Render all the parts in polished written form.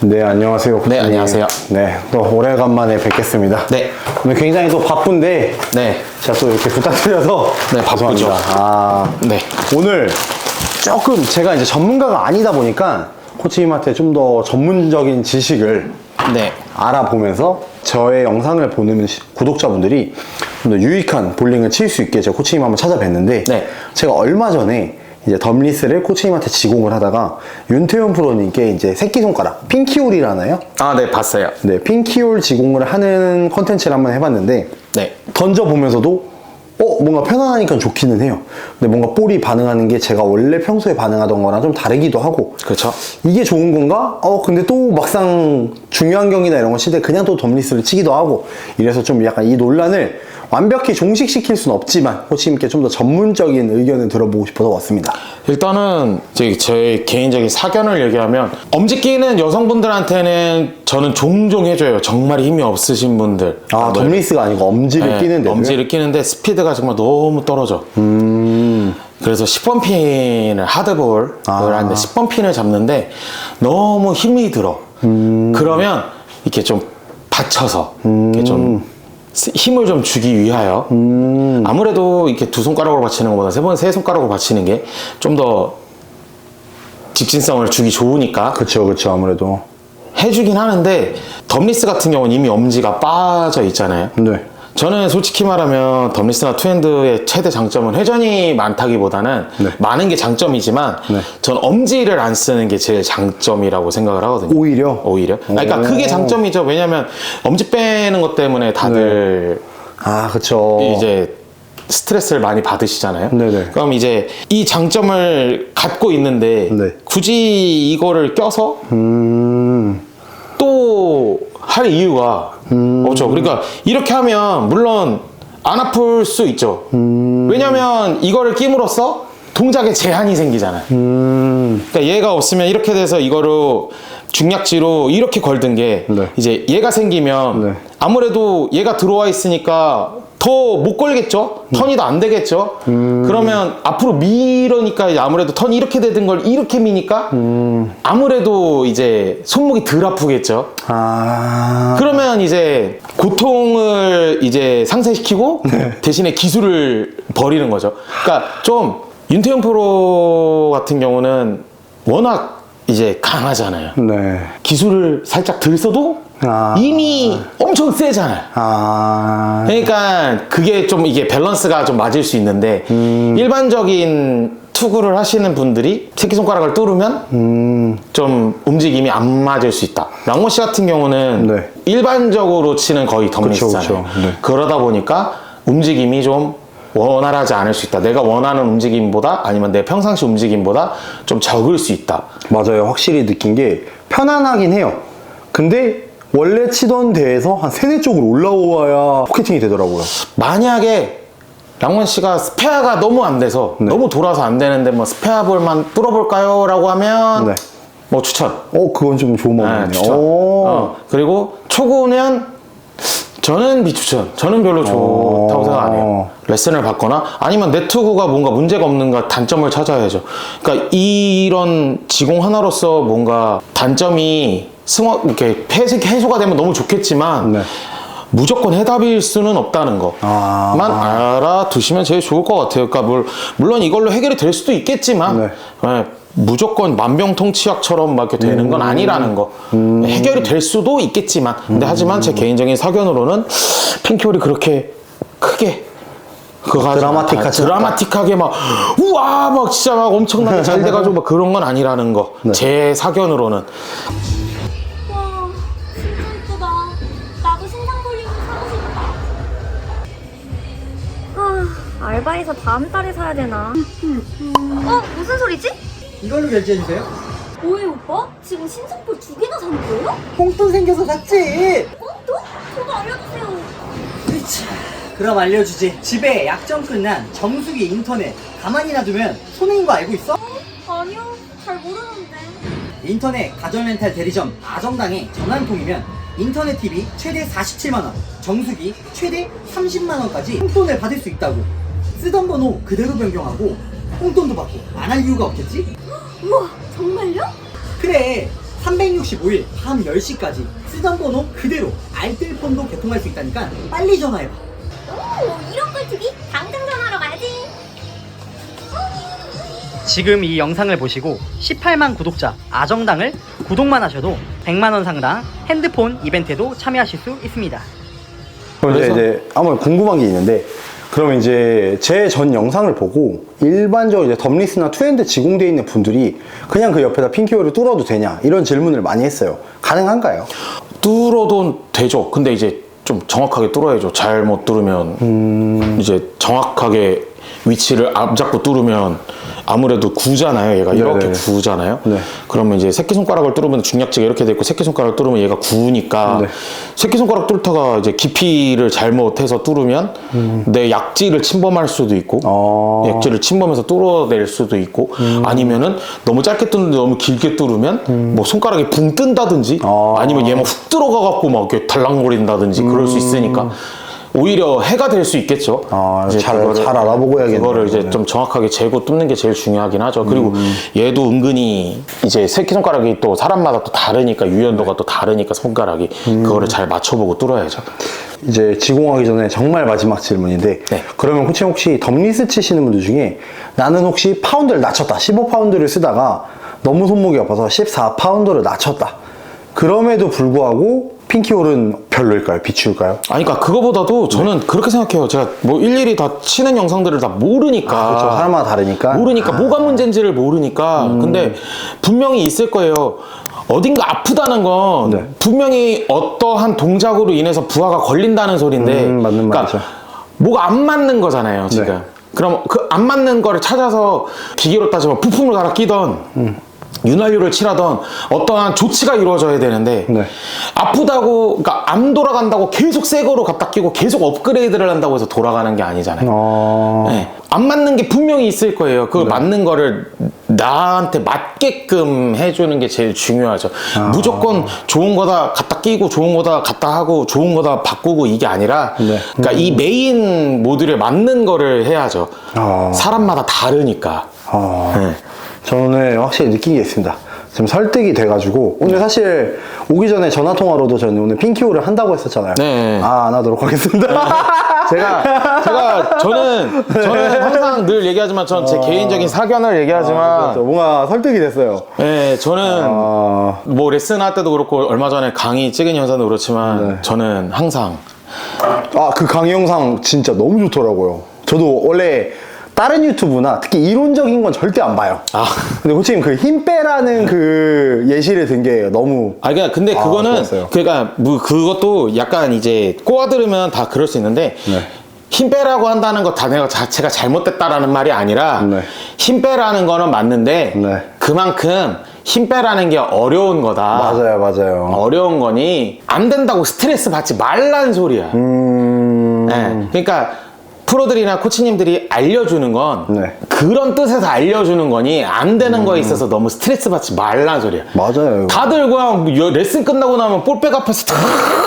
네, 안녕하세요. 네, 안녕하세요. 네, 또 오래간만에 뵙겠습니다. 네. 오늘 굉장히 또 바쁜데, 네. 제가 또 이렇게 부탁드려서. 네, 바쁘죠. 죄송합니다. 네. 오늘 조금 제가 이제 전문가가 아니다 보니까 코치님한테 좀 더 전문적인 지식을 네. 알아보면서 저의 영상을 보는 구독자분들이 좀 더 유익한 볼링을 칠 수 있게 제가 코치님 한번 찾아뵀는데, 네. 제가 얼마 전에 이제 덤리스를 코치님한테 지공을 하다가 윤태현 프로님께 이제 새끼손가락 핑키홀이라나요? 아, 네, 봤어요. 네, 핑키홀 지공을 하는 컨텐츠를 한번 해봤는데, 네. 던져보면서도 뭔가 편안하니까 좋기는 해요. 근데 뭔가 볼이 반응하는 게 제가 원래 평소에 반응하던 거랑 좀 다르기도 하고, 그렇죠. 이게 좋은 건가? 근데 또 막상 중요한 경기나 이런 거 칠 때 그냥 또 덤리스를 치기도 하고, 이래서 좀 약간 이 논란을 완벽히 종식시킬 수는 없지만 코치님께 좀 더 전문적인 의견을 들어보고 싶어서 왔습니다. 일단은 이제 제 개인적인 사견을 얘기하면, 엄지 끼는 여성분들한테는 저는 종종 해줘요. 정말 힘이 없으신 분들. 덤리스가 아니고 엄지를 끼는데. 엄지를 끼는데 스피드가 정말 너무 떨어져. 그래서 10번 핀을 하드볼을 하는데 10번 핀을 잡는데 너무 힘이 들어. 그러면 이렇게 좀 받쳐서 이렇게 좀 힘을 좀 주기 위하여 아무래도 이렇게 두 손가락으로 받치는 것보다 세 손가락으로 받치는 게 좀 더 직진성을 주기 좋으니까 그쵸, 아무래도. 해주긴 하는데, 덤리스 같은 경우는 이미 엄지가 빠져 있잖아요. 네. 저는 솔직히 말하면 덤리스나 투핸드의 최대 장점은 회전이 많다기보다는 네. 많은 게 장점이지만 네. 전 엄지를 안 쓰는 게 제일 장점이라고 생각을 하거든요. 오히려? 그러니까 그게 장점이죠. 왜냐면 엄지 빼는 것 때문에 다들 그쵸. 이제 스트레스를 많이 받으시잖아요. 네네. 그럼 이제 이 장점을 갖고 있는데 네. 굳이 이거를 껴서 또 할 이유가 없죠. 그러니까 이렇게 하면 물론 안 아플 수 있죠. 왜냐면 이거를 끼므로써 동작에 제한이 생기잖아요. 그러니까 얘가 없으면 이렇게 돼서 이거로 중약지로 이렇게 걸든 게 네. 이제 얘가 생기면 네. 아무래도 얘가 들어와 있으니까 더 못 걸겠죠? 턴이 더 안 되겠죠? 그러면 앞으로 미러니까 이제 아무래도 턴이 이렇게 되던 걸 이렇게 미니까 아무래도 이제 손목이 덜 아프겠죠? 그러면 이제 고통을 이제 상쇄시키고 대신에 기술을 버리는 거죠. 그러니까 좀 윤태영 프로 같은 경우는 워낙 이제 강하잖아요. 네. 기술을 살짝 덜 써도 이미 엄청 세잖아요. 그러니까 그게 좀 이게 밸런스가 좀 맞을 수 있는데 일반적인 투구를 하시는 분들이 새끼손가락을 뚫으면 좀 움직임이 안 맞을 수 있다. 랑모 씨 같은 경우는 네. 일반적으로 치는 거의 덤리스잖아요. 네. 그러다 보니까 움직임이 좀 원활하지 않을 수 있다. 내가 원하는 움직임보다 아니면 내 평상시 움직임보다 좀 적을 수 있다. 맞아요. 확실히 느낀 게 편안하긴 해요. 근데 원래 치던 데에서 한 3-4쪽으로 올라와야 포켓팅이 되더라고요. 만약에 랑원 씨가 스페어가 너무 안 돼서 너무 돌아서 안 되는데 뭐 스페어 볼만 뚫어볼까요? 라고 하면 뭐 추천. 그건 좀 좋은 방법이네요. 추천. 그리고 초구는 저는 비추천. 저는 별로 좋다고 생각 안 해요. 레슨을 받거나 아니면 내 투구가 뭔가 문제가 없는가 단점을 찾아야죠. 그러니까 이런 지공 하나로서 뭔가 단점이 이렇게 해소가 되면 너무 좋겠지만 무조건 해답일 수는 없다는 것만 알아두시면 제일 좋을 것 같아요. 그러니까 물론 이걸로 해결이 될 수도 있겠지만 무조건 만병통치약처럼 막 이렇게 되는 건 아니라는 거. 해결이 될 수도 있겠지만 근데 하지만 제 개인적인 사견으로는 핑키홀이 그렇게 크게 드라마틱하게 막 우와 막 진짜 막 엄청나게 잘 돼가지고 막 그런 건 아니라는 거. 제 사견으로는. 와, 진짜 이쁘다. 나도 신상 볼링 사고 싶다. 알바해서 다음 달에 사야 되나? 무슨 소리지? 이걸로 결제해주세요. 뭐해 오빠? 지금 신상볼 2개나 산 거예요? 뽕돈 생겨서 샀지. 또? 저도 알려주세요. 그치. 그럼 알려주지. 집에 약정 끝난 정수기 인터넷 가만히 놔두면 손해인 거 알고 있어? 아니요, 잘 모르는데. 인터넷 가전렌탈 대리점 아정당에 전화 한 통이면 인터넷 TV 최대 47만원, 정수기 최대 30만원까지 뽕돈을 받을 수 있다고. 쓰던 번호 그대로 변경하고 뽕돈도 받고 안 할 이유가 없겠지? 우와, 정말요? 그래, 365일 밤 10시까지 쓰던 번호 그대로 알뜰폰도 개통할 수 있다니까 빨리 전화해봐. 오, 이런 꿀팁이 당장 전화하러 가야지. 지금 이 영상을 보시고 18만 구독자 아정당을 구독만 하셔도 100만원 상당 핸드폰 이벤트에도 참여하실 수 있습니다. 그럼 그래서? 이제 아무래도 궁금한 게 있는데, 그러면 이제 제 전 영상을 보고 일반적으로 이제 덤리스나 투핸드 지공되어 있는 분들이 그냥 그 옆에다 핀키오를 뚫어도 되냐 이런 질문을 많이 했어요. 가능한가요? 뚫어도 되죠. 근데 이제 좀 정확하게 뚫어야죠. 잘못 뚫으면 이제 정확하게 위치를 앞잡고 뚫으면 아무래도 구잖아요. 얘가 이렇게 네네. 구잖아요. 네. 그러면 이제 새끼손가락을 뚫으면 중약지가 이렇게 돼 있고 새끼손가락을 뚫으면 얘가 구우니까 네. 새끼손가락 뚫다가 이제 깊이를 잘못해서 뚫으면 내 약지를 침범할 수도 있고 약지를 침범해서 뚫어낼 수도 있고 아니면은 너무 짧게 뚫는데 너무 길게 뚫으면 뭐 손가락이 붕 뜬다든지 아니면 얘만 훅 들어가 갖고 막 이렇게 달랑거린다든지 그럴 수 있으니까 오히려 해가 될 수 있겠죠. 이제 잘 알아보고 해야겠네요. 그거를 이제 좀 정확하게 재고 뚫는 게 제일 중요하긴 하죠. 그리고 얘도 은근히 이제 새끼손가락이 또 사람마다 또 다르니까 유연도가 또 다르니까 손가락이 그거를 잘 맞춰보고 뚫어야죠. 이제 지공하기 전에 정말 마지막 질문인데, 네. 그러면 코치님 혹시 덤리스 치시는 분들 중에 나는 혹시 파운드를 낮췄다, 15파운드를 쓰다가 너무 손목이 아파서 14파운드를 낮췄다, 그럼에도 불구하고 핀키홀은 별로일까요? 비추일까요? 아니, 그러니까 그거보다도 저는 그렇게 생각해요. 제가 뭐 일일이 다 치는 영상들을 다 모르니까. 그렇죠. 사람마다 다르니까. 모르니까 뭐가 문제인지를 모르니까. 근데 분명히 있을 거예요. 어딘가 아프다는 건 네. 분명히 어떠한 동작으로 인해서 부하가 걸린다는 소리인데, 맞는 말이죠. 뭐가 안 맞는 거잖아요, 지금. 네. 그럼 그 안 맞는 거를 찾아서 기계로 따지면 부품을 갈아 끼던 윤활유를 칠하던 어떠한 조치가 이루어져야 되는데 네. 아프다고, 그러니까 안 돌아간다고 계속 새 거로 갖다 끼고 계속 업그레이드를 한다고 해서 돌아가는 게 아니잖아요. 네. 안 맞는 게 분명히 있을 거예요. 그 맞는 거를 나한테 맞게끔 해주는 게 제일 중요하죠. 무조건 좋은 거다 갖다 끼고 좋은 거다 갖다 하고 좋은 거다 바꾸고 이게 아니라 네. 그러니까 이 메인 모듈에 맞는 거를 해야죠. 사람마다 다르니까. 네. 저는 확실히 느낀 게 있습니다. 지금 설득이 돼가지고 오늘 사실 오기 전에 전화통화로도 저는 오늘 핀키오를 한다고 했었잖아요. 네. 안 하도록 하겠습니다. 저는 항상 늘 얘기하지만 전 제 개인적인 사견을 얘기하지만 그렇죠. 뭔가 설득이 됐어요. 네, 저는 뭐 레슨 할 때도 그렇고 얼마 전에 강의 찍은 영상도 그렇지만 네. 저는 항상 그 강의 영상 진짜 너무 좋더라고요. 저도 원래 다른 유튜브나 특히 이론적인 건 절대 안 봐요. 근데 코치님 그 힘 빼라는 그 예시를 든 게 너무 근데 그거는 좋았어요. 그러니까 뭐 그것도 약간 이제 꼬아 들으면 다 그럴 수 있는데 네. 힘 빼라고 한다는 것 자체가 잘못됐다라는 말이 아니라 네. 힘 빼라는 거는 맞는데 네. 그만큼 힘 빼라는 게 어려운 거다. 맞아요. 어려운 거니 안 된다고 스트레스 받지 말라는 소리야. 네. 그러니까 프로들이나 코치님들이 알려주는 건 네. 그런 뜻에서 알려주는 거니 안 되는 거에 있어서 너무 스트레스 받지 말라는 소리야. 맞아요. 다들 그냥 레슨 끝나고 나면 볼백 앞에서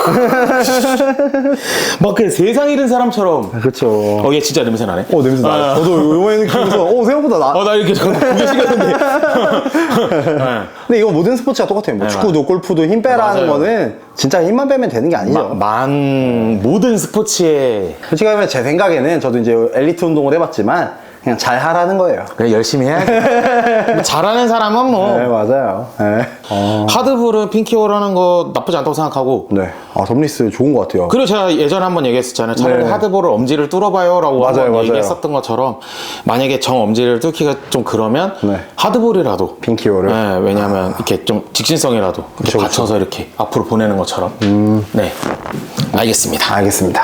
막 그냥 세상 잃은 사람처럼. 그렇죠. 얘 진짜 냄새 나네. 냄새 나요. 저도 요번에 느끼면서 생각보다 나 이렇게 구겨시켰는데. 근데 이거 모든 스포츠가 똑같아요. 뭐 네, 축구도 골프도 힘 빼라는 맞아요. 거는 진짜 힘만 빼면 되는 게 아니죠. 모든 스포츠에 솔직히 하면 제 생각에는 저도 이제 엘리트 운동을 해봤지만 그냥 잘 하라는 거예요. 그냥 열심히 해야지. 뭐 잘하는 사람은 뭐 네, 맞아요. 네. 하드볼은 핀키홀 하는 거 나쁘지 않다고 생각하고. 네. 덤리스 좋은 것 같아요. 그리고 제가 예전에 한번 얘기했었잖아요. 차라리 네. 하드볼을 엄지를 뚫어봐요 라고 맞아요, 한번 맞아요. 얘기했었던 것처럼 만약에 정 엄지를 뚫기가 좀 그러면 네. 하드볼이라도 핀키오를. 네, 왜냐하면 이렇게 좀 직진성이라도 이렇게 그쵸, 받쳐서 이렇게 앞으로 보내는 것처럼. 네, 알겠습니다. 알겠습니다.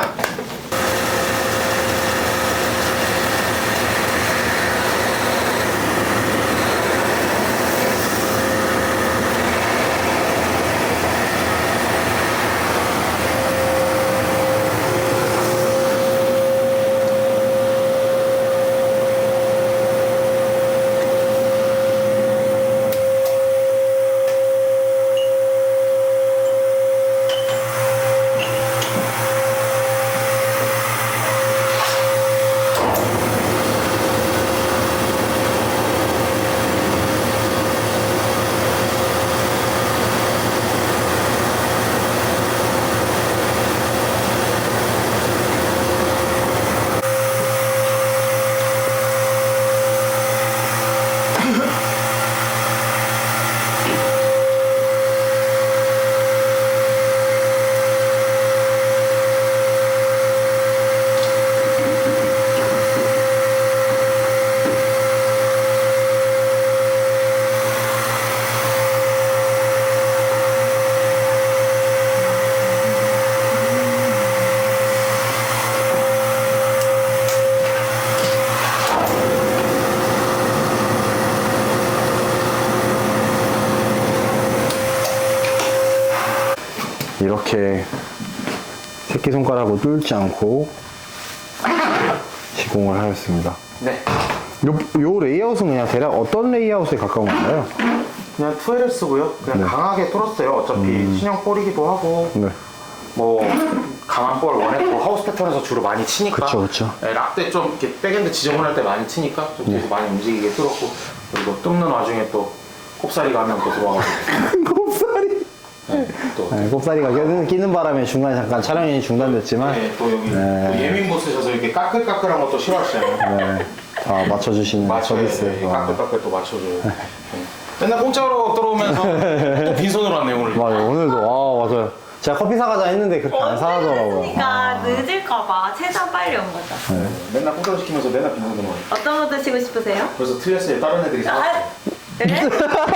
이렇게 새끼손가락으로 뚫지 않고 시공을 하였습니다. 네. 요 레이아웃은 그냥 대략 어떤 레이아웃에 가까운 건가요? 그냥 2L을 쓰고요. 그냥 강하게 뚫었어요. 어차피 신형 볼이기도 하고 네. 뭐 강한 볼 원했고 하우스 패턴에서 주로 많이 치니까. 그쵸. 네, 락때 좀 이렇게 백엔드 지저분할 때 많이 치니까 좀 뒤에서 많이 움직이게 뚫었고 그리고 뚫는 와중에 또 꼽사리가 한 명 또 들어와가지고. 곱살이. 네, 또. 네, 곱살이가 끼는 바람에 중간에 잠깐 촬영이 중단됐지만 네, 또 여기 또 예민 보스셔서 이렇게 까끌까끌한 것도 싫어하시잖아요. 네, 다 맞춰주시는 맞춰요. 서비스. 네, 까끌까끌 또 맞춰줘요. 네. 맨날 공짜로 들어오면서 또 빈손으로 왔네요 오늘. 맞아요. 오늘도 맞아요. 제가 커피 사가자 했는데 그렇게 안 사더라고요. 그러니까 늦을까봐 최대한 빨리 온 거죠. 맨날 공짜로 시키면서 맨날 빈손으로 와요. 어떤 거 드시고 싶으세요? 그래서 틀렸어요. 다른 애들이 사왔어요. 그래?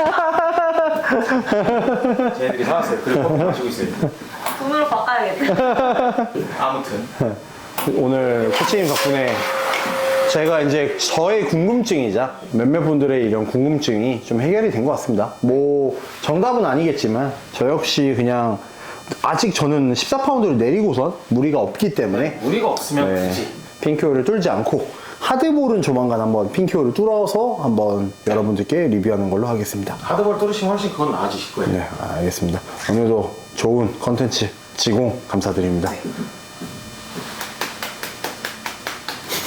제 애들이 사왔어요. 그리고 커피 마시고 있어요. 돈으로 바꿔야겠다. 아무튼 오늘 코치님 덕분에 제가 이제 저의 궁금증이자 몇몇 분들의 이런 궁금증이 좀 해결이 된 것 같습니다. 뭐 정답은 아니겠지만 저 역시 그냥 아직 저는 14파운드를 내리고선 무리가 없기 때문에 무리가 없으면 굳이 핑크홀을 뚫지 않고 하드볼은 조만간 한번 핑크홀을 뚫어서 한번 여러분들께 리뷰하는 걸로 하겠습니다. 하드볼 뚫으시면 훨씬 그건 나아지실 거예요. 네, 알겠습니다. 오늘도 좋은 컨텐츠 지공 감사드립니다.